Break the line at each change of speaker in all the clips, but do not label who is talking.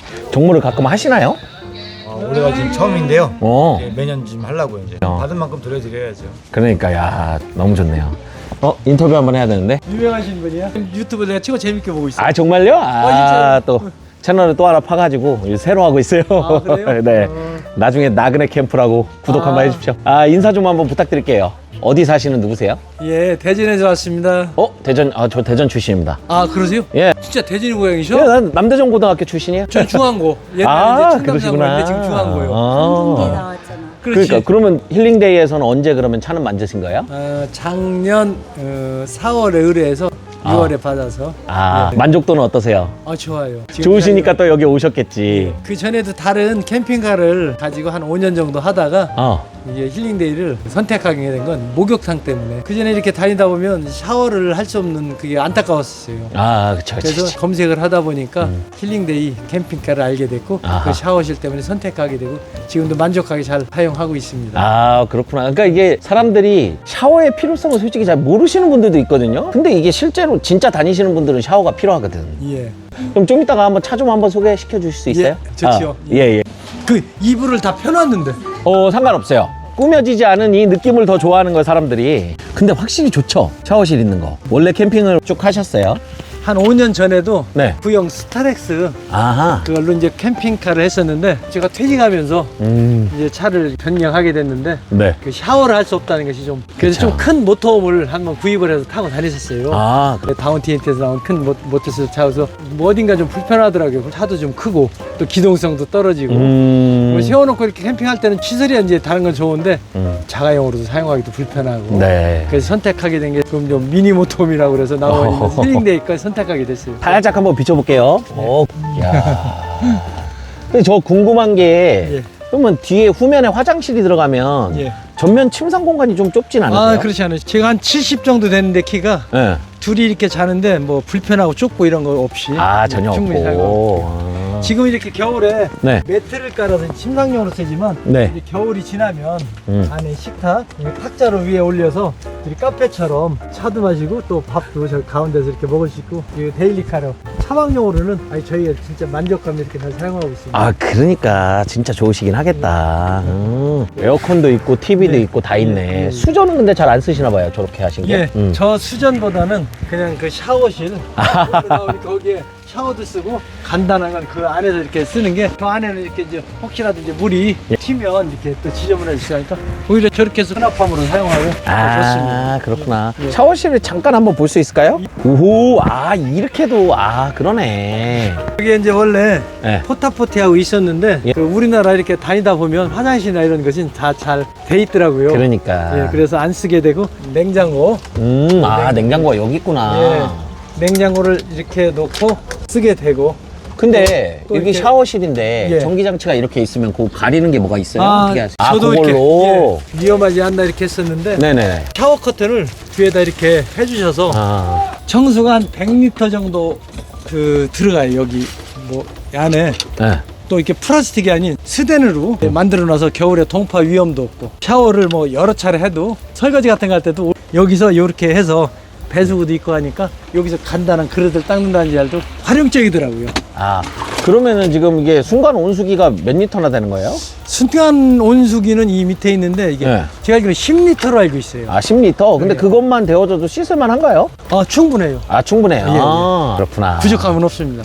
정모를 가끔 하시나요?
올해가 지금 처음인데요.
어.
매년 지금 하려고요. 이제 받은 만큼 돌려드려야죠.
그러니까 야 너무 좋네요. 인터뷰 한번 해야 되는데.
유명하신 분이야? 유튜브 내가 최고 재밌게 보고 있어.
아 정말요?
진짜요?
또 채널을 또 하나 파가지고 새로 하고 있어요.
아, 그래요?
네. 나중에 나그네 캠프라고 구독 한번 해주십시오. 인사 좀 한번 부탁드릴게요. 어디 사시는 누구세요?
예, 대전에서 왔습니다.
대전. 저 대전 출신입니다.
아, 그러세요?
예.
진짜 대전이 고향이셔?
예, 난 남대전 고등학교 출신이에요.
전 중앙고. 옛날에 이제
그러시구나.
충남상고인데 지금 중앙고요.
공개 나왔잖아.
그렇지.
그러니까 그러면 힐링데이에서는 언제 그러면 차는 만드신 거예요?
작년 4월에 의뢰해서 6월에 받아서. 네.
만족도는 어떠세요?
좋아요. 지금
좋으시니까 또 여기 오셨겠지.
그 전에도 다른 캠핑카를 가지고 한 5년 정도 하다가 이게 힐링데이를 선택하게 된 건 목욕탕 때문에. 그 전에 이렇게 다니다 보면 샤워를 할 수 없는 그게 안타까웠어요.
그쵸.
그래서 검색을 하다 보니까 힐링데이 캠핑카를 알게 됐고 그 샤워실 때문에 선택하게 되고 지금도 만족하게 잘 사용하고 있습니다.
그렇구나. 그러니까 이게 사람들이 샤워의 필요성을 솔직히 잘 모르시는 분들도 있거든요. 근데 이게 실제로 진짜 다니시는 분들은 샤워가 필요하거든.
예.
그럼 좀 이따가 한번 차 좀 한번 소개시켜 주실 수 있어요?
좋지요.
예.
그 이불을 다 펴놨는데.
상관없어요. 꾸며지지 않은 이 느낌을 더 좋아하는 거예요, 사람들이. 근데 확실히 좋죠? 샤워실 있는 거. 원래 캠핑을 쭉 하셨어요?
한 5년 전에도
네.
구형 스타렉스
아하.
그걸로 이제 캠핑카를 했었는데 제가 퇴직하면서 이제 차를 변경하게 됐는데
네.
그 샤워를 할 수 없다는 것이 좀 그래서
그쵸.
좀 큰 모터홈을 한번 구입을 해서 타고 다녔었어요.
그래.
다운티엔트에서 나온 큰 모터스 차여서 뭐 어딘가 좀 불편하더라고요. 차도 좀 크고 또 기동성도 떨어지고 뭐 세워놓고 이렇게 캠핑할 때는 취소리야 이제 다른 건 좋은데 자가용으로도 사용하기도 불편하고
네.
그래서 선택하게 된 게 그럼 좀 미니 모터홈이라고 그래서 나와 있는 힐링데이까지 선택하게 됐어요.
살짝 한번 비춰볼게요. 야. 근데 저 궁금한 게, 그러면 뒤에 후면에 화장실이 들어가면 전면 침상 공간이 좀 좁진 않으세요?
그렇지 않아요. 제가 한 70 정도 되는데 키가
네.
둘이 이렇게 자는데 뭐 불편하고 좁고 이런 거 없이
전혀
충분히
없고.
사용하고. 지금 이렇게 겨울에
네.
매트를 깔아서 침상용으로 쓰지만
네.
이제 겨울이 지나면 안에 식탁 탁자로 위에 올려서 우리 카페처럼 차도 마시고 또 밥도 저 가운데서 이렇게 먹을 수 있고 이 데일리카로 차박용으로는 저희가 진짜 만족감 이렇게 잘 사용하고 있습니다.
그러니까 진짜 좋으시긴 하겠다. 에어컨도 있고 TV도 있고 다 있네. 수전은 근데 잘 안 쓰시나 봐요, 저렇게 하신 게.
저 수전보다는 그냥 그 샤워실 거기에 샤워도 쓰고 간단한 건 그 안에서 이렇게 쓰는 게 저 안에는 이렇게 이제 혹시라도 이제 물이 튀면 이렇게 또 지저분해질 수 있으니까 오히려 저렇게 해서 수납함으로 사용하고 좋습니다.
그렇구나. 샤워실을 잠깐 한번 볼 수 있을까요? 오호, 이렇게도, 그러네.
여기 이제 원래
네.
포타포티하고 있었는데 그 우리나라 이렇게 다니다 보면 화장실이나 이런 것은 다 잘 돼 있더라고요.
그러니까.
그래서 안 쓰게 되고 냉장고
냉장고가 여기 있구나.
냉장고를 이렇게 놓고 쓰게 되고
근데
또
여기
이렇게-
샤워실인데
예.
전기장치가 이렇게 있으면 그거 가리는 게 뭐가 있어요? 어떻게 하세요?
저도
그걸로?
이렇게 위험하지 않나 이렇게 했었는데
네네.
샤워 커튼을 뒤에다 이렇게 해주셔서 청수가 한 100리터 정도 들어가요. 여기 뭐 안에
네.
또 이렇게 플라스틱이 아닌 스텐으로 만들어 놔서 겨울에 동파 위험도 없고 샤워를 뭐 여러 차례 해도 설거지 같은 거 할 때도 여기서 이렇게 해서 배수구도 있고 하니까 여기서 간단한 그릇을 닦는다는 잘도 활용적이더라고요.
그러면은 지금 이게 순간 온수기가 몇 리터나 되는 거예요?
순간 온수기는 이 밑에 있는데 이게
네.
제가 알기로 10리터로 알고 있어요.
10리터? 근데
네.
그것만 데워줘도 씻을만 한가요?
충분해요.
충분해요.
예, 예.
그렇구나.
부족함은 없습니다.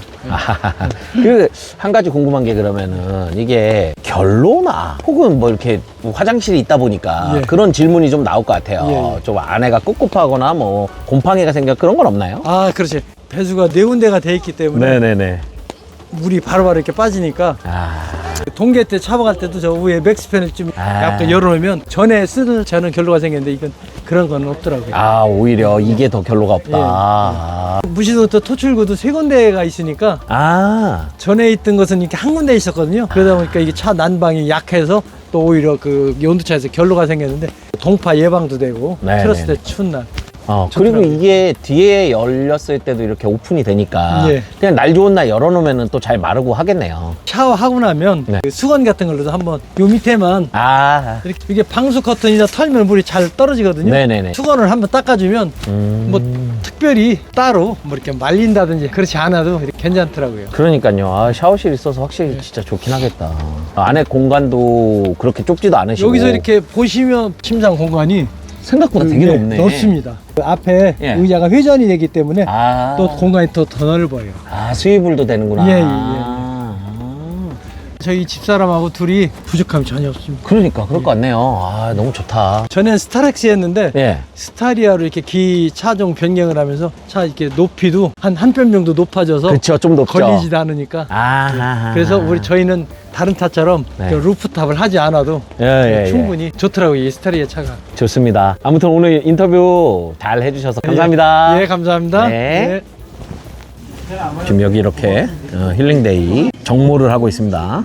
그 한 가지 궁금한 게 그러면은 이게 결로나 혹은 뭐 이렇게 화장실이 있다 보니까 그런 질문이 좀 나올 것 같아요. 좀 안에가 꿉꿉하거나 뭐 곰팡이가 생겨 그런 건 없나요?
그렇지. 배수가 네 군데가 돼 있기 때문에
네네네.
물이 바로바로 이렇게 빠지니까 동계 때 차박할 때도 저 위에 맥스팬을 좀 약간 열어놓으면 전에 쓰는 저는 결로가 생겼는데 이건 그런 건 없더라고요.
오히려 이게 더 결로가 없다.
무시도부터 토출구도 세 군데가 있으니까 전에 있던 것은 이렇게 한 군데 있었거든요. 그러다 보니까 이게 차 난방이 약해서 또 오히려 그 온도차에서 결로가 생겼는데 동파 예방도 되고
네네.
틀었을 때 추운 날
그리고
좋더라고요.
이게 뒤에 열렸을 때도 이렇게 오픈이 되니까
예.
그냥 날 좋은 날 열어놓으면 또 잘 마르고 하겠네요.
샤워하고 나면
네.
그 수건 같은 걸로도 한번 요 밑에만
아,
이렇게 이게 방수 커튼이나 털면 물이 잘 떨어지거든요.
네네네.
수건을 한번 닦아주면 뭐 특별히 따로 뭐 이렇게 말린다든지 그렇지 않아도 이렇게 괜찮더라고요.
그러니까요. 아, 샤워실 있어서 확실히 진짜 좋긴 하겠다. 안에 공간도 그렇게 좁지도 않으시고.
여기서 이렇게 보시면 침상 공간이
생각보다 되게 높네.
넓습니다. 그 앞에
예.
의자가 회전이 되기 때문에
아,
또 공간이 더 넓어요.
아, 수위불도 되는구나.
예, 예, 예.
아.
저희 집사람하고 둘이 부족함이 전혀 없습니다.
그러니까 그럴 것 같네요. 아, 너무 좋다.
전엔 스타렉스였는데
예.
스타리아로 이렇게 기 차종 변경을 하면서 차 이렇게 높이도 한 뼘 정도 높아져서
그쵸, 좀 높죠.
걸리지도 않으니까
아,
그래서 저희는 다른 차처럼
네.
그 루프탑을 하지 않아도
예, 예,
충분히 좋더라고요. 이 스타리아 차가.
좋습니다. 아무튼 오늘 인터뷰 잘 해주셔서 감사합니다.
예, 감사합니다.
네. 지금 여기 이렇게 힐링데이 정모를 하고 있습니다.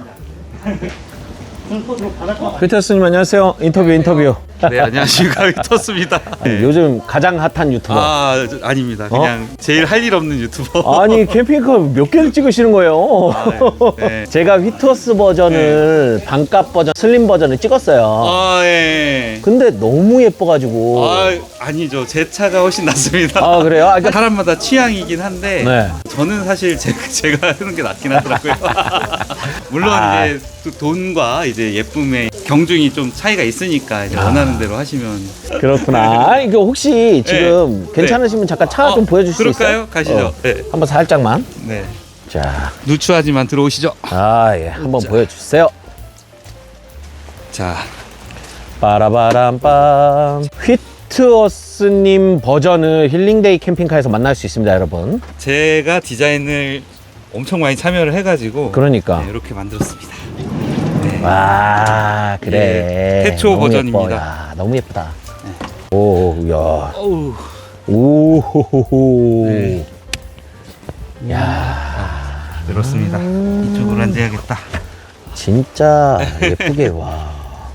피터스님 안녕하세요. 인터뷰.
네, 안녕하십니까. 위터스입니다. 네.
요즘 가장 핫한 유튜버.
아닙니다. 그냥 제일 할 일 없는 유튜버.
아니 캠핑카 몇 개를 찍으시는 거예요?
네.
제가 휘토스 버전을 반값 버전, 슬림 버전을 찍었어요.
예.
근데 너무 예뻐가지고.
아니죠. 제 차가 훨씬 낫습니다.
아, 그래요? 아, 그러니까-
사람마다 취향이긴 한데
네.
저는 사실 제가 하는 게 낫긴 하더라고요. 물론
아.
이제 또 돈과 이제 예쁨의 경중이 좀 차이가 있으니까 이제 원하는 대로 하시면.
그렇구나. 아, 이거 혹시 지금
네.
괜찮으시면 잠깐 차 좀 보여주실 수 있어요?
그럴까요? 가시죠. 네.
한번 살짝만.
네.
자,
누추하지만 들어오시죠.
예, 한번 보여주세요.
자,
빠라바람빰. 휘트워스님 버전을 힐링데이 캠핑카에서 만날 수 있습니다, 여러분.
제가 디자인을 엄청 많이 참여를 해가지고
그러니까.
네, 이렇게 만들었습니다.
와, 그래.
예, 태초
너무
버전입니다.
예뻐. 야, 너무 예쁘다. 오, 야.
어우.
오호호호.
네.
야,
그렇습니다. 이쪽으로 앉아야겠다.
진짜 예쁘게, 와.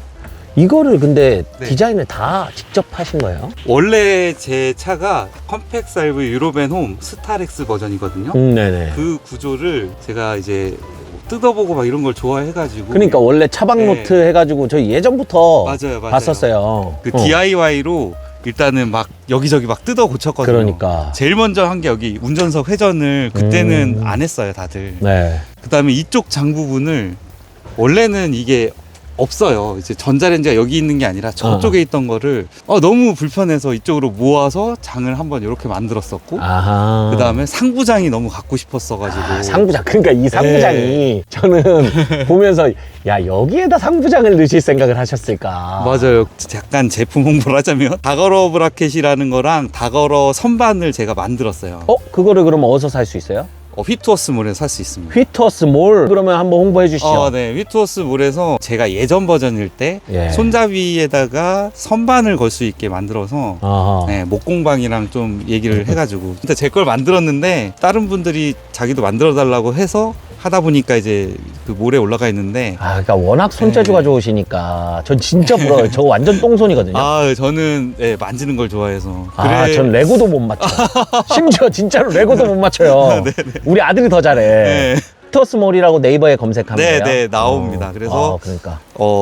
이거를 근데
네.
디자인을 다 직접 하신 거예요?
원래 제 차가 컴팩 살브 유로벤 홈 스타렉스 버전이거든요.
네네.
그 구조를 제가 이제 뜯어보고 막 이런 걸 좋아해가지고.
그러니까 원래 차박노트
네.
해가지고 저희 예전부터
맞아요.
봤었어요.
그 DIY로 일단은 막 여기저기 막 뜯어 고쳤거든요.
그러니까.
제일 먼저 한 게 여기 운전석 회전을 그때는 안 했어요, 다들.
네.
그 다음에 이쪽 장 부분을 원래는 이게 없어요. 이제 전자레인지가 여기 있는 게 아니라 저쪽에 있던 거를 너무 불편해서 이쪽으로 모아서 장을 한번 이렇게 만들었었고,
아하.
그 다음에 상부장이 너무 갖고 싶었어가지고.
아, 상부장. 그러니까 이 상부장이 저는 보면서 야, 여기에다 상부장을 넣으실 생각을 하셨을까.
맞아요. 약간 제품 홍보를 하자면 다거러 브라켓이라는 거랑 다거러 선반을 제가 만들었어요.
그거를 그럼 어디서 살 수 있어요?
휘트워스몰에서 살 수 있습니다.
휘터스 몰. 그러면 한번 홍보해 주시죠.
네. 휘트워스몰에서 제가 예전 버전일 때
예.
손잡이에다가 선반을 걸 수 있게 만들어서
아하.
네, 목공방이랑 좀 얘기를 해가지고 진짜 제 걸 만들었는데 다른 분들이 자기도 만들어 달라고 해서 하다 보니까 이제 그 몰에 올라가 있는데
그러니까 워낙 손재주가 좋으시니까 전 진짜 부러워요. 저 완전 똥손이거든요.
저는 만지는 걸 좋아해서
전 레고도 못 맞춰. 심지어 진짜로 레고도 못 맞춰요. 우리 아들이 더 잘해.
네.
휘터스몰이라고 네이버에 검색하면 돼요.
네, 나옵니다. 그래서
그러니까.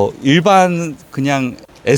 일반 그냥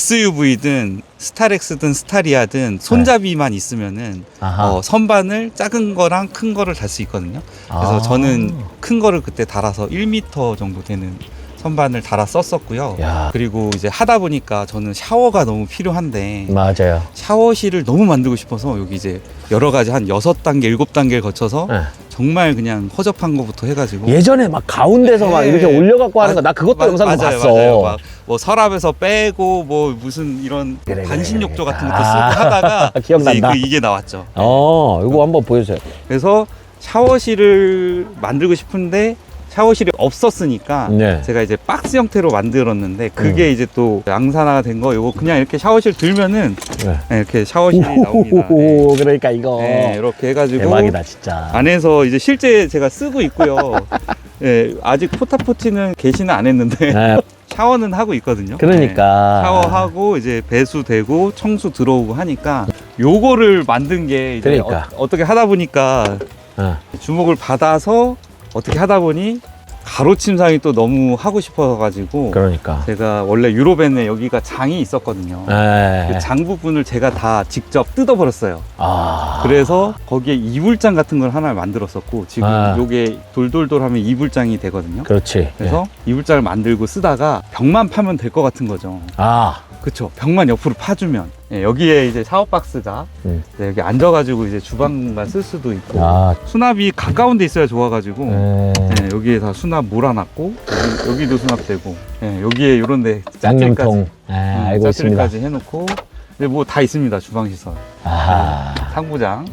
SUV든 스타렉스든 스타리아든 손잡이만 있으면은
아하.
선반을 작은 거랑 큰 거를 달 수 있거든요. 그래서 저는 큰 거를 그때 달아서 1m 정도 되는 선반을 달아 썼었고요.
야.
그리고 이제 하다 보니까 저는 샤워가 너무 필요한데
맞아요.
샤워실을 너무 만들고 싶어서 여기 이제 여러 가지 한 6단계, 7단계를 거쳐서
네.
정말 그냥 허접한 거부터 해가지고
예전에 막 가운데서 막
네.
이렇게 올려갖고 하는 거 나 그것도 영상
맞아요,
봤어.
맞아요. 막 뭐 서랍에서 빼고 뭐 무슨 이런
그래,
반신욕조
그래.
같은 것도 쓰고 하다가
기억난다.
이제 이게 나왔죠.
이거 한번 보여주세요.
그래서 샤워실을 만들고 싶은데 샤워실이 없었으니까
네.
제가 이제 박스 형태로 만들었는데 그게 이제 또 양산화가 된 거 요거 그냥 이렇게 샤워실 들면은
네.
네, 이렇게 샤워실이 나옵니다. 네.
그러니까 이거
네, 이렇게 해가지고
대박이다 진짜.
안에서 이제 실제 제가 쓰고 있고요. 예, 아직 포타포티는 개시는 안 했는데
네,
샤워는 하고 있거든요.
그러니까.
네, 샤워하고 이제 배수되고 청수 들어오고 하니까 요거를 만든 게 이제
그러니까.
어떻게 하다 보니까
어.
주목을 받아서 어떻게 하다 보니 가로 침상이 또 너무 하고 싶어가지고
그러니까.
제가 원래 유로벤에 여기가 장이 있었거든요.
네.
그 장 부분을 제가 다 직접 뜯어버렸어요.
아.
그래서 거기에 이불장 같은 걸 하나 만들었었고 지금
아.
요게 돌돌돌 하면 이불장이 되거든요.
그렇지.
그래서 이불장을 만들고 쓰다가 벽만 파면 될 것 같은 거죠.
아.
그쵸. 벽만 옆으로 파주면 예, 여기에 이제 샤워박스가 네, 여기 앉아가지고 이제 주방만 쓸 수도 있고
아.
수납이 가까운 데 있어야 좋아가지고
네.
예, 여기에 다 수납 몰아놨고 여기도 수납되고 예, 여기에 요런 데
양념통. 아, 알고 있습니다.
짜투리까지 해놓고 뭐 다 있습니다. 주방시설
아.
상부장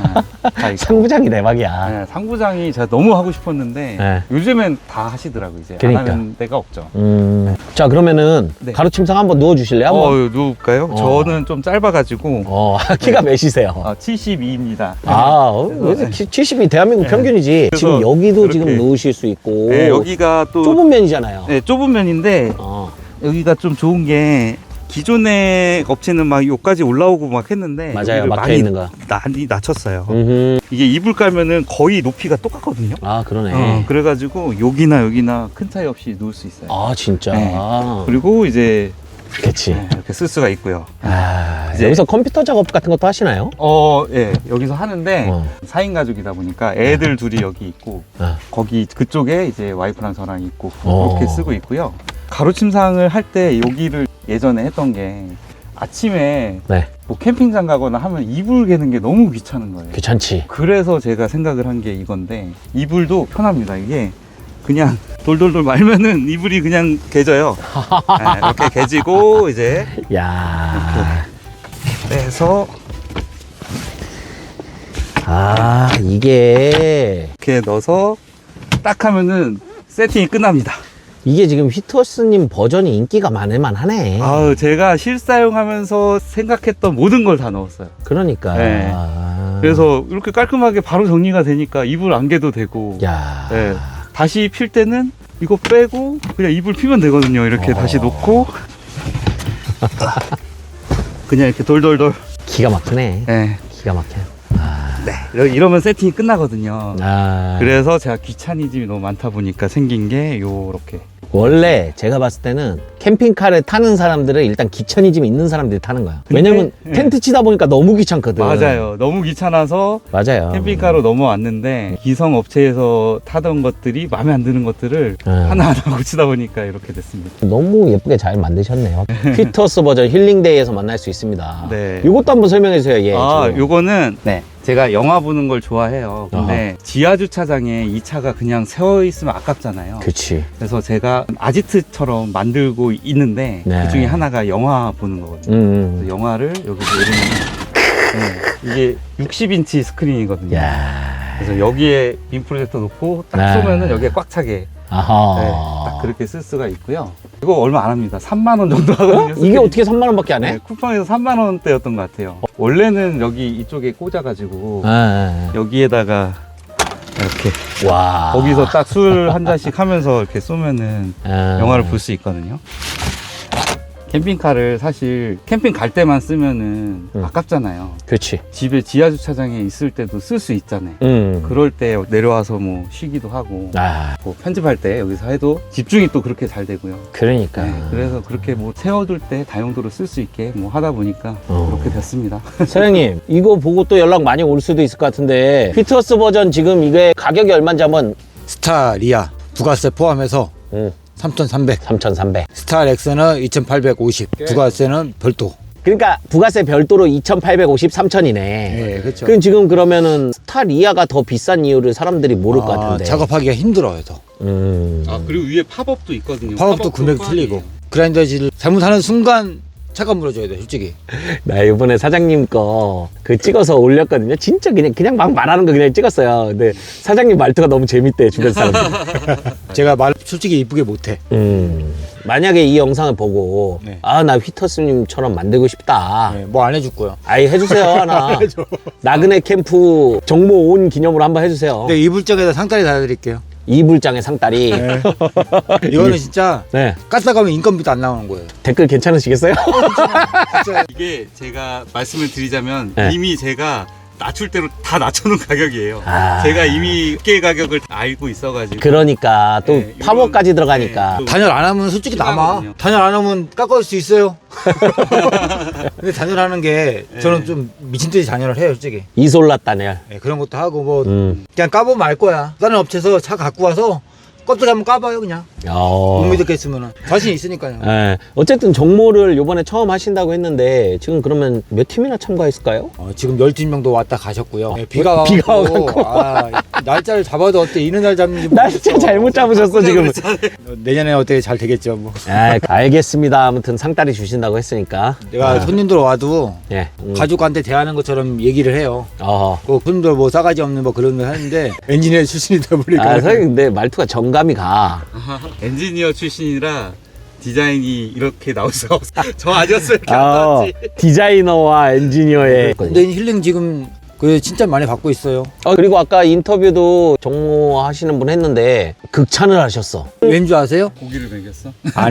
다 있고.
상부장이 대박이야.
네, 상부장이 제가 너무 하고 싶었는데
네.
요즘엔 다 하시더라고요. 이제
그러니까.
안 하는 데가 없죠.
자, 그러면은
네.
가로 침상 한번 누워 주실래요? 한번.
누울까요?
어.
저는 좀 짧아가지고
키가 몇이세요?
72입니다.
그래서
네.
70이 대한민국
네.
평균이지.
그래서
지금 여기도
이렇게.
지금 누우실 수 있고.
네, 여기가 또
좁은 면이잖아요.
네, 좁은 면인데
어.
여기가 좀 좋은 게 기존의 업체는 막 여기까지 올라오고 막 했는데
맞아요.
여기를
막혀
많이
있는 거.
많이 낮췄어요.
음흠.
이게 이불 깔면은 거의 높이가 똑같거든요.
아, 그러네.
그래가지고 여기나 큰 차이 없이 누울 수 있어요.
아, 진짜.
네. 그리고 이제
그치.
네, 이렇게 쓸 수가 있고요.
아,
이제-
여기서 컴퓨터 작업 같은 것도 하시나요?
예, 여기서 하는데
어.
4인 가족이다 보니까 애들 둘이 여기 있고
아.
거기 그쪽에 이제 와이프랑 저랑 있고
어.
그렇게 쓰고 있고요. 가로 침상을 할 때 여기를 예전에 했던 게 아침에
네.
뭐 캠핑장 가거나 하면 이불 개는 게 너무 귀찮은 거예요.
귀찮지.
그래서 제가 생각을 한 게 이건데 이불도 편합니다. 이게 그냥 돌돌돌 말면은 이불이 그냥 개져요. 네, 이렇게 개지고 이제
야.
빼서
아, 이게
이렇게 넣어서 딱 하면은 세팅이 끝납니다.
이게 지금 휘트워스님 버전이 인기가 많을만 하네.
아우, 제가 실사용하면서 생각했던 모든 걸 다 넣었어요.
그러니까.
네.
아.
그래서 이렇게 깔끔하게 바로 정리가 되니까 이불 안 개도 되고
야.
네, 다시 필 때는 이거 빼고 그냥 이불 피면 되거든요. 이렇게 다시 놓고 그냥 이렇게 돌돌돌
기가 막히네.
네,
기가 막혀.
이러면 세팅이 끝나거든요.
아.
그래서 제가 귀차니즘이 너무 많다 보니까 생긴 게 요렇게.
원래 제가 봤을 때는 캠핑카를 타는 사람들은 일단 귀차니즘이 있는 사람들이 타는 거야.
근데-
왜냐면
네.
텐트 치다 보니까 너무 귀찮거든.
맞아요. 너무 귀찮아서
맞아요.
캠핑카로 넘어왔는데 기성 업체에서 타던 것들이 마음에 안 드는 것들을 하나하나 고치다 보니까 이렇게 됐습니다.
너무 예쁘게 잘 만드셨네요. 휘트워스 버전 힐링데이에서 만날 수 있습니다.
네.
이것도 한번 설명해 주세요. 예. 지금.
요거는 제가 영화 보는 걸 좋아해요. 근데 지하 주차장에 이 차가 그냥 세워 있으면 아깝잖아요.
그치.
그래서 제가 아지트처럼 만들고 있는데
네.
그 중에 하나가 영화 보는 거거든요. 그래서 영화를 여기서 이렇게 이게 60인치 스크린이거든요.
야.
그래서 여기에 빔 프로젝터 놓고 딱
네.
쏘면은 여기에 꽉 차게
아하.
네, 딱 그렇게 쓸 수가 있고요. 이거 얼마 안 합니다. 3만 원 정도 하거든요.
이게 어떻게 3만 원밖에 안 해?
네, 쿠팡에서 3만 원대였던 것 같아요. 원래는 여기 이쪽에 꽂아가지고
아.
여기에다가 이렇게
와.
거기서 딱 술 한 잔씩 하면서 이렇게 쏘면은
아.
영화를 볼 수 있거든요. 캠핑카를 사실 캠핑 갈 때만 쓰면은 아깝잖아요.
그렇지.
집에 지하 주차장에 있을 때도 쓸 수 있잖아요. 그럴 때 내려와서 뭐 쉬기도 하고
아.
뭐 편집할 때 여기서 해도 집중이 또 그렇게 잘 되고요.
그러니까.
네, 그래서 그렇게 뭐 세워둘 때 다용도로 쓸 수 있게 뭐 하다 보니까 그렇게 됐습니다.
사장님, 이거 보고 또 연락 많이 올 수도 있을 것 같은데 휘트워스 버전 지금 이게 가격이 얼마인지 한번.
스타리아 부가세 포함해서 3,300.
3,300.
스타렉스는 2,850. 부가세는 별도.
그러니까 부가세 별도로 2,850, 3,000이네.
네, 그렇죠.
그럼 지금 그러면은 스타리아가 더 비싼 이유를 사람들이 모를 것 같은데.
작업하기가 힘들어요, 더.
아 그리고 위에 팝업도 있거든요.
팝업도 금액 틀리고. 그라인더질 잘못하는 순간 차가 물어줘야 돼 솔직히.
나 이번에 사장님 거 그 찍어서 올렸거든요. 진짜 그냥 막 말하는 거 그냥 찍었어요. 근데 사장님 말투가 너무 재밌대, 주변 사람들.
제가 말 솔직히 이쁘게 못해.
만약에 이 영상을 보고
네.
아, 나 휘터스님처럼 만들고 싶다.
네, 뭐 안 해줄 거야.
아이, 해주세요, 하나. 나그네 캠프 정모 온 기념으로 한번 해주세요.
근데 이불장에다 상다리 달아드릴게요.
이불장의 상다리.
네. 이거는 진짜
네.
가스 가면 인건비도 안 나오는 거예요.
댓글 괜찮으시겠어요?
이게 제가 말씀을 드리자면
네.
이미 제가 낮출 대로 다 낮춰놓은 가격이에요.
아.
제가 이미 꽤 가격을 다 알고 있어가지고.
그러니까 또
네,
파워까지
이건-
들어가니까.
네, 또-
단열 안 하면 솔직히 남아.
심하거든요.
단열 안 하면 깎아올 수 있어요. 근데 단열하는 게 저는 좀 미친 듯이 단열을 해요, 솔직히.
이솔라 단열.
네, 그런 것도 하고 뭐
그냥
까보면 알 거야. 다른 업체에서 차 갖고 와서 껍데기 한번 까봐요, 그냥. 못 믿겠으면 자신 있으니까요.
예. 어쨌든 정모를 요번에 처음 하신다고 했는데 지금 그러면 몇 팀이나 참가했을까요?
지금 12명도 왔다 가셨고요. 네, 비가 와갖고,
비가 와갖고.
날짜를 잡아도 어때 이런 날 잡는지
날짜
모르겠어.
잘못 잡으셨어 지금.
내년에 어떻게 잘 되겠죠 뭐.
아, 알겠습니다. 아무튼 상다리 주신다고 했으니까.
내가 손님들 와도
예.
가족한테 대하는 것처럼 얘기를 해요.
어.
그 손님들 뭐 싸가지 없는 뭐 그런 거 하는데 엔지니어 출신이다 보니까
아, 선생님 근데 말투가 정감이 가.
엔지니어 출신이라 디자인이 이렇게 나올 수가 없어. 저 아니었으면 이렇게 안 나왔지.
디자이너와 엔지니어의.
근데 힐링 지금 그 진짜 많이 받고 있어요.
그리고 아까 인터뷰도 정모 하시는 분 했는데 극찬을 하셨어.
왠 줄 아세요?
고기를 먹였어?
아니.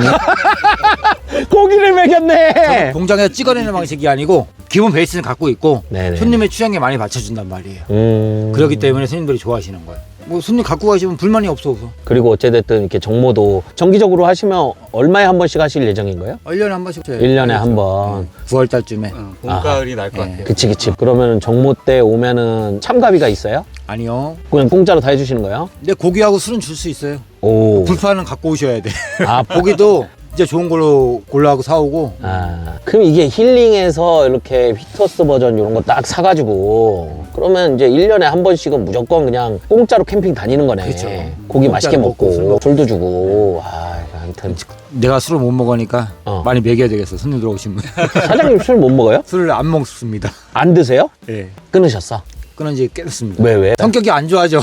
고기를 먹였네.
공장에서 찍어내는 방식이 아니고 기본 베이스는 갖고 있고
네네.
손님의 취향에 많이 맞춰준단 말이에요. 그렇기 때문에 손님들이 좋아하시는 거예요. 뭐 손님 갖고 가시면 불만이 없어.
그리고 어찌됐든 이렇게 정모도 정기적으로 하시면 얼마에 한 번씩 하실 예정인 거예요?
1년에 한 번씩.
1년에 한 번.
9월 달쯤에.
봄, 가을이 날 것 같아요.
그치. 그러면 정모 때 오면은 참가비가 있어요?
아니요.
그냥 공짜로 다 해주시는 거예요?
근데 고기하고 술은 줄 수 있어요.
오.
불판은 갖고 오셔야 돼.
아,
고기도 진짜 좋은 걸로 골라하고 사오고.
그럼 이게 힐링에서 이렇게 휘터스 버전 이런 거 딱 사가지고 그러면 이제 1년에 한 번씩은 무조건 그냥 공짜로 캠핑 다니는 거네.
그렇죠.
고기
공짜로
맛있게
먹고 술
먹고
먹고.
술도 주고. 하여튼
내가 술을 못 먹으니까 많이 먹여야 되겠어. 손님들 오시면.
사장님 술 못 먹어요?
술을 안 먹습니다.
안 드세요?
예.
끊으셨어?
끊은 지 깼습니다.
왜?
성격이 안 좋아져.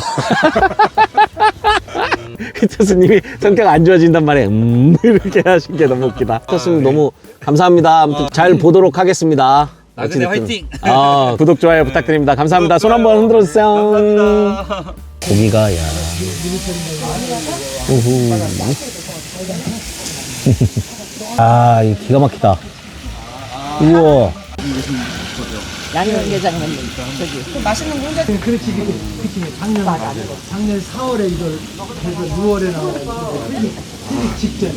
휘터스님이 성격 안 좋아진단 말에 이렇게 하신 게 너무 웃기다. 휘터스님 너무 감사합니다. 아무튼 잘 보도록 하겠습니다.
나그네
어찌됐든.
화이팅!
구독 좋아요 부탁드립니다. 감사합니다. 손 한번 흔들어 주세요.
감사합니다.
고기가 야. 우후. 아, 이 기가 막히다. 우와.
양념게장면 저기 맛있는 공장
그렇지 작년 4월에 이걸 해서 6월에 나와가지고 직전에.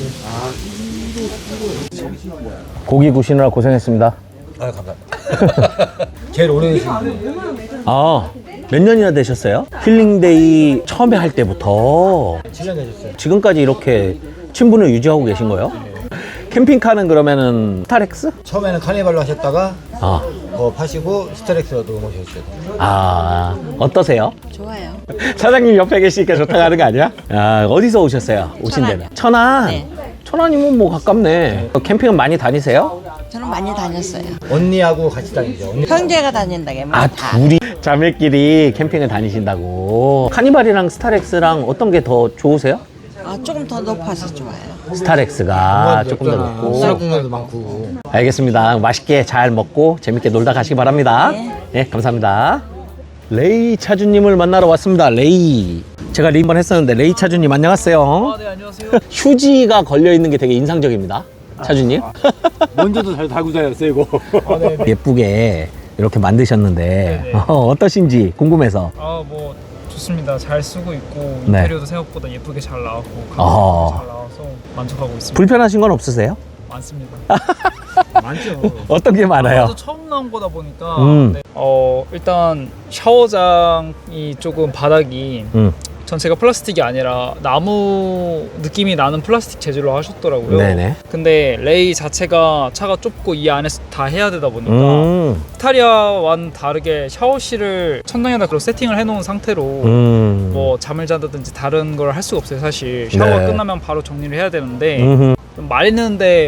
고기 구시느라 고생했습니다.
아, 감사합니다. 제일 오래되신
아, 몇 년이나 되셨어요? 힐링데이 처음에 할 때부터
7년 되셨어요.
지금까지 이렇게 친분을 유지하고 계신 거예요? 캠핑카는 그러면은 스타렉스?
처음에는 카니발로 하셨다가
아,
파시고 스타렉스로 넘어오셨어요.
어떠세요?
좋아요.
사장님 옆에 계시니까 좋다고 하는 거 아니야? 아, 어디서 오셨어요? 오신 데는? 천안?
네.
천안이면 뭐 가깝네. 캠핑은 많이 다니세요?
저는 많이 다녔어요.
언니하고 같이 다니죠. 언니.
형제가 다닌다게
아, 둘이 자매끼리 캠핑을 다니신다고. 카니발이랑 스타렉스랑 어떤 게 더 좋으세요?
조금 더 높아서 좋아요.
스타렉스가 조금 더 높고.
수납 공간도 많고.
알겠습니다. 맛있게 잘 먹고 재밌게 놀다 가시기 바랍니다. 네, 감사합니다. 레이 차주님을 만나러 왔습니다. 레이. 제가 리번 했었는데 레이 차주님 안녕하세요.
네, 안녕하세요.
휴지가 걸려 있는 게 되게 인상적입니다. 차주님.
먼저도 잘 달고 다녔어요, 이거.
예쁘게 이렇게 만드셨는데
네네.
어떠신지 궁금해서.
뭐 좋습니다. 잘 쓰고 있고
네.
인테리어도 생각보다 예쁘게 잘 나왔고
어허.
가격도 잘 나와서 만족하고 있습니다.
불편하신 건 없으세요?
많습니다.
많죠.
어떤 게 많아요?
아무래도 처음 나온 거다 보니까
음.
일단 샤워장이 조금 바닥이 전체가 플라스틱이 아니라 나무 느낌이 나는 플라스틱 재질로 하셨더라고요.
네네.
근데 레이 자체가 차가 좁고 이 안에서 다 해야 되다 보니까
음.
스타리아와는 다르게 샤워실을 천장에다 그런 세팅을 해놓은 상태로 뭐 잠을 잔다든지 다른 걸 할 수가 없어요. 사실 샤워가
네.
끝나면 바로 정리를 해야 되는데
음흠.
좀 말리는데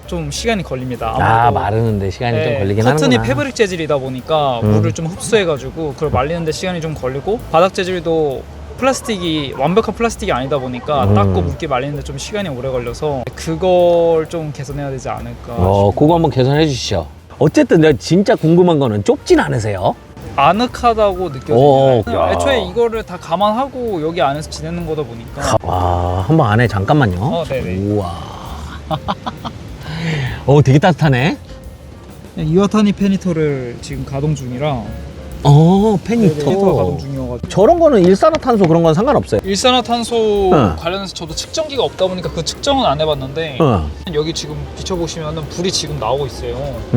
좀 시간이 걸립니다.
아,
아무래도.
마르는데 시간이 좀
네,
걸리긴
커튼이
하는구나.
패브릭 재질이다 보니까 물을 좀 흡수해가지고 그걸 말리는데 시간이 좀 걸리고 바닥 재질도 플라스틱이 완벽한 플라스틱이 아니다 보니까 닦고 묽게 말리는데 좀 시간이 오래 걸려서 그걸 좀 개선해야 되지 않을까.
그거 한번 개선해 주시죠. 어쨌든 내가 진짜 궁금한 거는 좁진 않으세요?
아늑하다고
오,
느껴집니다.
야.
애초에 이거를 다 감안하고 여기 안에서 지내는 거다 보니까.
와, 한번 안에 잠깐만요.
네네.
우와. 되게 따뜻하네.
이와타니 페니터를 지금 가동 중이라
페니터.
가동 중이어가지고
저런 거는 일산화탄소 그런 건 상관없어요.
일산화탄소
응.
관련해서 저도 측정기가 없다 보니까 그 측정은 안 해봤는데 여기 지금 비춰보시면은 불이 지금 나오고 있어요.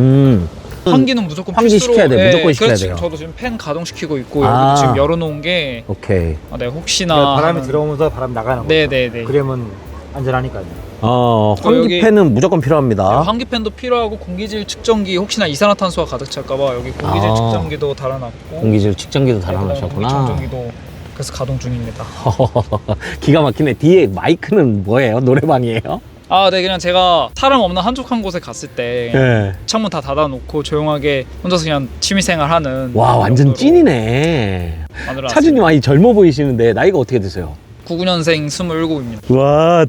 환기는 무조건
환기
필수로
시켜야 돼. 무조건 시켜야
그래서
돼요.
지금 저도 지금 팬 가동시키고 있고
아.
여기도 지금 열어놓은 게
오케이.
네, 혹시나
그러니까 바람이
하는-
들어오면서 바람이 나가는 거죠.
네네네.
그러면 안전하니까요.
환기팬은 무조건 필요합니다.
환기팬도 필요하고 공기질 측정기 혹시나 이산화탄소가 가득 찰까봐 여기 공기질
아.
측정기도 달아놨고
공기질 측정기도
네, 그다음에
달아놓으셨구나.
공기청정기도 그래서 가동 중입니다.
기가 막히네. 뒤에 마이크는 뭐예요? 노래방이에요?
네, 그냥 제가 사람 없는 한적한 곳에 갔을 때
네.
창문 다 닫아놓고 조용하게 혼자서 그냥 취미생활하는
와, 완전
정도로
찐이네.
만들어놨습니다.
차주님 많이 젊어 보이시는데 나이가 어떻게 되세요?
99년생 27입니다.
와,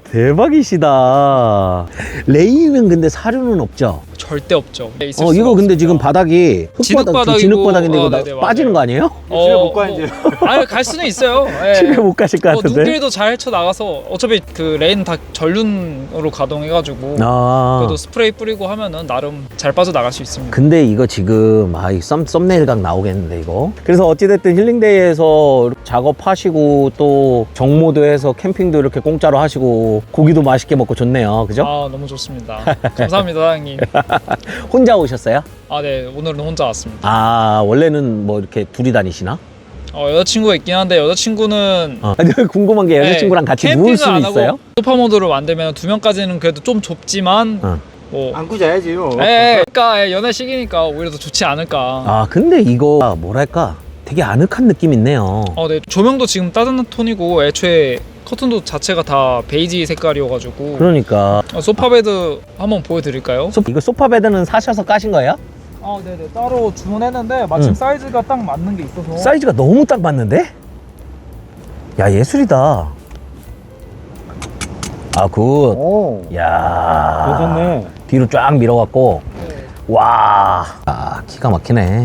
대박이시다. 레이는 근데 사료는 없죠?
절대 없죠. 있을
이거
수가
근데
없습니다.
지금 바닥이
진흙바닥이고,
진흙바닥인데 이거
네네,
빠지는
맞아요.
거 아니에요?
집에 못 가, 이제.
아니, 갈 수는 있어요. 예.
집에 못 가실 것 같은데.
눈길도 잘 헤쳐 나가서 어차피 그 레인 다 전륜으로 가동해가지고 그래도 스프레이 뿌리고 하면은 나름 잘 빠져 나갈 수 있습니다.
근데 이거 지금 이 썸네일각 나오겠는데 이거. 그래서 어찌됐든 힐링데이에서 작업하시고 또 정모도해서 캠핑도 이렇게 공짜로 하시고 고기도 맛있게 먹고 좋네요. 그죠?
너무 좋습니다. 감사합니다, 사장님.
혼자 오셨어요?
네, 오늘은 혼자 왔습니다.
원래는 뭐 이렇게 둘이 다니시나?
여자친구가 있긴 한데 여자친구는
궁금한 게 여자친구랑 같이 누울
캠핑을
수는
안 하고
있어요?
소파 모드로 만들면 2명까지는 그래도 좀 좁지만 뭐
안고 자야지요.
그러니까 연애 시기니까 오히려 더 좋지 않을까.
근데 이거 뭐랄까 되게 아늑한 느낌 있네요.
네, 조명도 지금 따뜻한 톤이고 애초에 커튼도 자체가 다 베이지 색깔이어가지고
그러니까
소파 베드 한번 보여드릴까요?
이거 소파 베드는 사셔서 까신 거예요?
네네, 따로 주문했는데 마침
응.
사이즈가 딱 맞는 게 있어서
사이즈가 너무 딱 맞는데? 야, 예술이다. 굿.
오,
야,
괜찮네.
뒤로 쫙 밀어갖고
네.
와, 기가 막히네.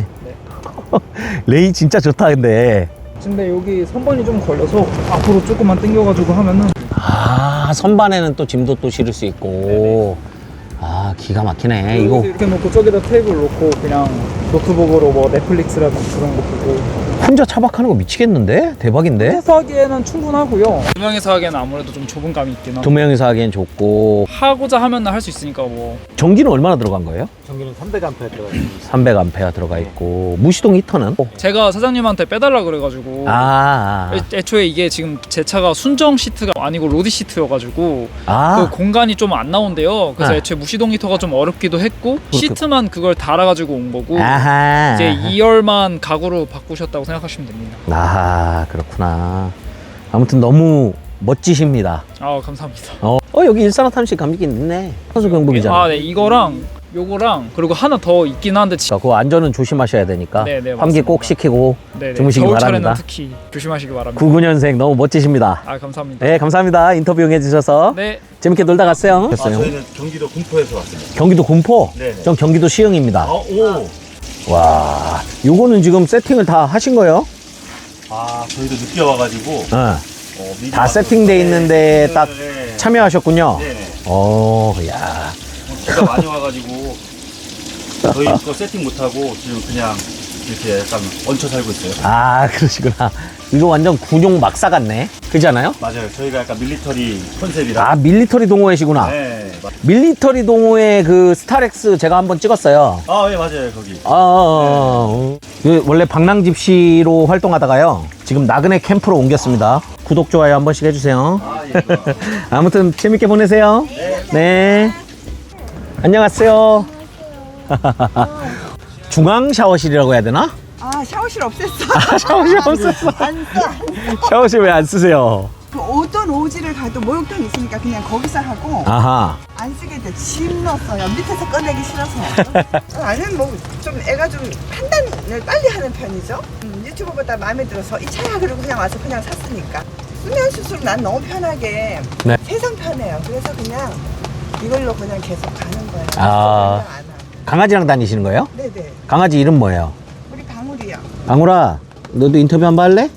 레이 진짜 좋다 근데.
근데 여기 선반이 좀 걸려서 앞으로 조금만 당겨가지고 하면은
선반에는 또 짐도 또 실을 수 있고. 기가 막히네 이거.
이렇게 놓고 저기다 테이블 놓고 그냥 노트북으로 뭐 넷플릭스라든지 그런 거 보고
혼자 차박하는 거 미치겠는데? 대박인데?
혼자서 하기에는 충분하고요. 두 명이서 하기에는 아무래도 좀 좁은 감이 있긴 하고
두 명이서 하기엔 좋고.
하고자 하면 할 수 있으니까 뭐
전기는 얼마나 들어간 거예요?
전기는 300A 들어가 있습니다.
300A 들어가 있고. 무시동 히터는?
제가 사장님한테 빼달라 그래가지고 애초에 이게 지금 제 차가 순정 시트가 아니고 로디 시트여가지고 그 공간이 좀 안 나온대요. 그래서 애초에 무시동 히터가 좀 어렵기도 했고 시트만 그걸 달아가지고 온 거고 이제 2열만 가구로 바꾸셨다고 생각하시면 됩니다.
그렇구나. 아무튼 너무 멋지십니다.
감사합니다.
여기 일산화탄소 감기 있네. 선수 경북이잖아.
네, 이거랑 요거랑 그리고 하나 더 있긴 한데
그 안전은 조심하셔야 되니까
네네,
환기
맞습니다.
꼭 시키고
네네,
주무시기
겨울철에는
바랍니다.
특히 조심하시기 바랍니다.
99년생 너무 멋지십니다.
감사합니다.
네, 감사합니다. 인터뷰 응해주셔서
네.
재밌게 놀다 갔어요.
저희는 경기도 군포에서 왔습니다.
경기도 군포?
네네.
전 경기도 시흥입니다.
오.
와, 요거는 지금 세팅을 다 하신 거예요?
저희도 늦게 와가지고 미리
다
와서
세팅돼 있는데 딱
네.
참여하셨군요.
네네.
야.
비가 많이 와가지고 저희 거 세팅 못하고 지금 그냥 이렇게 약간 얹혀 살고 있어요.
그러시구나. 이거 완전 군용 막사 같네. 그렇지 않아요?
맞아요. 저희가 약간 밀리터리 컨셉이라.
밀리터리 동호회시구나.
네.
밀리터리 동호회 그 스타렉스 제가 한번 찍었어요.
네 맞아요 거기.
그 원래 방랑집시로 활동하다가요. 지금 나그네 캠프로 옮겼습니다. 구독, 좋아요 한 번씩 해주세요. 아무튼 재밌게 보내세요. 네. 안녕하세요. 중앙 샤워실이라고 해야 되나?
샤워실 없앴어.
샤워실 없었어.
안 써.
샤워실 왜 안 쓰세요?
그 어떤 오지를 가도 목욕탕 있으니까 그냥 거기서 하고
아하.
안 안 쓰게 돼. 짐 넣었어요. 밑에서 꺼내기 싫어서. 아니면 뭐 좀 애가 좀 판단을 빨리 하는 편이죠. 유튜브보다 마음에 들어서 이 차야 그러고 그냥 와서 그냥 샀으니까. 수면 수술 난 너무 편하게
네.
세상 편해요. 그래서 그냥 이걸로 그냥 계속 가는 거예요.
아.
안 하고.
강아지랑 다니시는 거예요?
네네.
강아지 이름 뭐예요?
우리 방울이요.
방울아, 너도 인터뷰 한번 할래?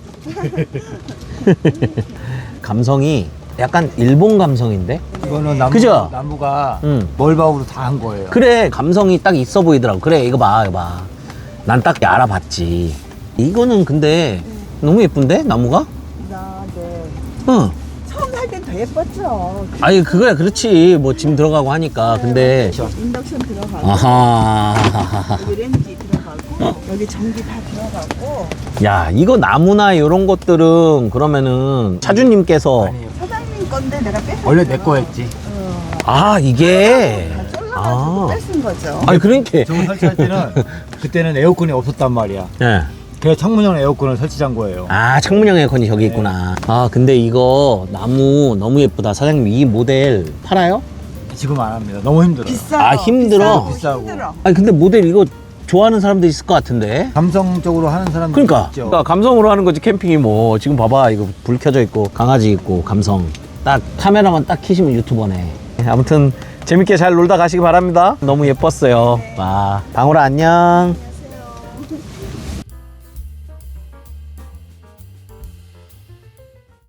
감성이 약간 일본 감성인데?
이거는 나무,
그죠?
나무가
응.
멀바우로 다 한 거예요.
그래, 감성이 딱 있어 보이더라고. 그래, 이거 봐, 이거 봐. 난 딱 알아봤지. 이거는 근데 너무 예쁜데? 나무가?
네.
응.
처음 살 땐 더 예뻤죠.
아니, 그거야, 그렇지. 뭐 짐 들어가고 하니까. 근데.
인덕션 들어가고
아하.
여기 렌지 들어가고 여기 전기 다 들어가고
야, 이거 나무나 이런 것들은 그러면은 차주님께서.
아니에요.
사장님 건데 내가 뺏은
원래 내 거였지.
아, 이게.
잘라가지고
아.
뺏은 거죠.
아니, 그러니까.
저거 설치할 때는 그때는 에어컨이 없었단 말이야.
예.
그래서 창문형 에어컨을 설치한 거예요.
아, 창문형 에어컨이 저기 있구나. 아, 근데 이거 나무 너무 예쁘다. 사장님, 이 모델 팔아요?
지금 안 합니다. 너무 힘들어요.
비싸요.
아, 힘들어?
비싸고.
힘들어.
아니, 근데 모델 이거 좋아하는 사람도 있을 것 같은데?
감성적으로 하는 사람들
그러니까,
있죠.
그러니까 감성으로 하는 거지. 캠핑이 뭐 지금 봐봐, 이거 불 켜져 있고 강아지 있고 감성 딱 카메라만 딱 켜시면 유튜버네. 아무튼 재밌게 잘 놀다 가시기 바랍니다. 너무 예뻤어요. 와, 방울아 안녕.